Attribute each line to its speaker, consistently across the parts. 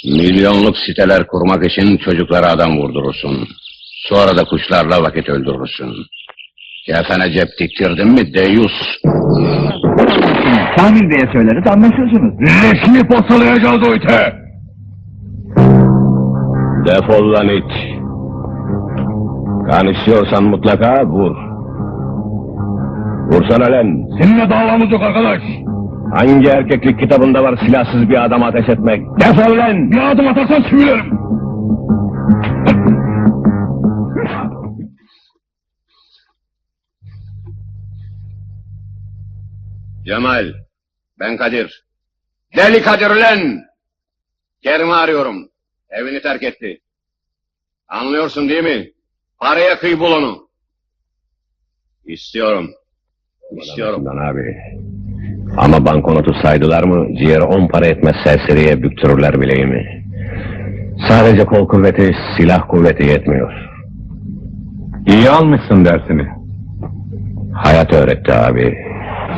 Speaker 1: Milyonluk siteler kurmak için çocuklara adam vurdurursun. Sonra da kuşlarla vakit öldürürsün. Kefene cep diktirdin mi deyyus?
Speaker 2: Kamil Bey'e söyleriz, anlaşırsınız.
Speaker 3: Leşini postalayacağız o ite!
Speaker 1: Defol lan it! Kan istiyorsan mutlaka vur. Vursana lan!
Speaker 3: Seninle davamız yok arkadaş!
Speaker 1: Hangi erkeklik kitabında var silahsız bir adama ateş etmek? Defol lan!
Speaker 3: Bir adım atarsan sivrilerim!
Speaker 1: Cemal, ben Kadir. Deli Kadir lan! Kerim'i arıyorum. Evini terk etti. Anlıyorsun değil mi? Paraya kıy bul onu. İstiyorum. İstiyorum. Lan abi. Ama bankonotu saydılar mı ciğer 10 para etmez serseriye büktürürler bileğimi. Sadece kol kuvveti, silah kuvveti yetmiyor.
Speaker 3: İyi almışsın dersini.
Speaker 1: Hayat öğretti abi.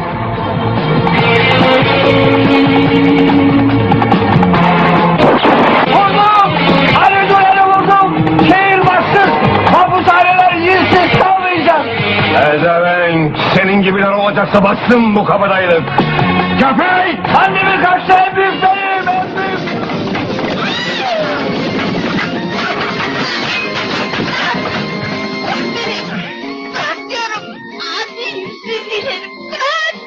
Speaker 2: Vurdum! Ali Duran'ı vurdum! Şehir bassın! Hapushaneler yüzsüz kalmayacak!
Speaker 1: Ezevenk, senin gibiler olacaksa bassın bu kabadayılık.
Speaker 3: Köpek!
Speaker 2: Annemin kaçtı en büyük benim! En büyük!
Speaker 4: Bırak diyorum. Abi yüzsüz dilerim. Bırak.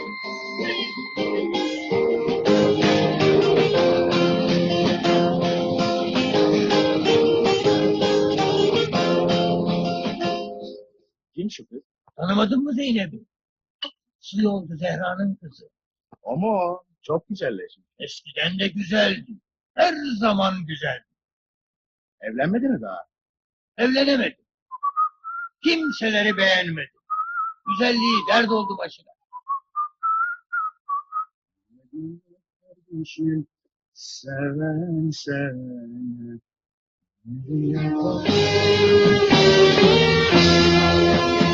Speaker 2: Kim şu kız? Tanımadın mı Zeynep'i? Şey oldu Zehra'nın kızı.
Speaker 3: Ama o çok güzelleşmiş.
Speaker 2: Eskiden de güzeldi. Her zaman güzeldi.
Speaker 3: Evlenmedi mi daha?
Speaker 2: Evlenemedi. Kimseleri beğenmedi. Güzelliği dert oldu başına.
Speaker 3: Kardeşim, seven seni.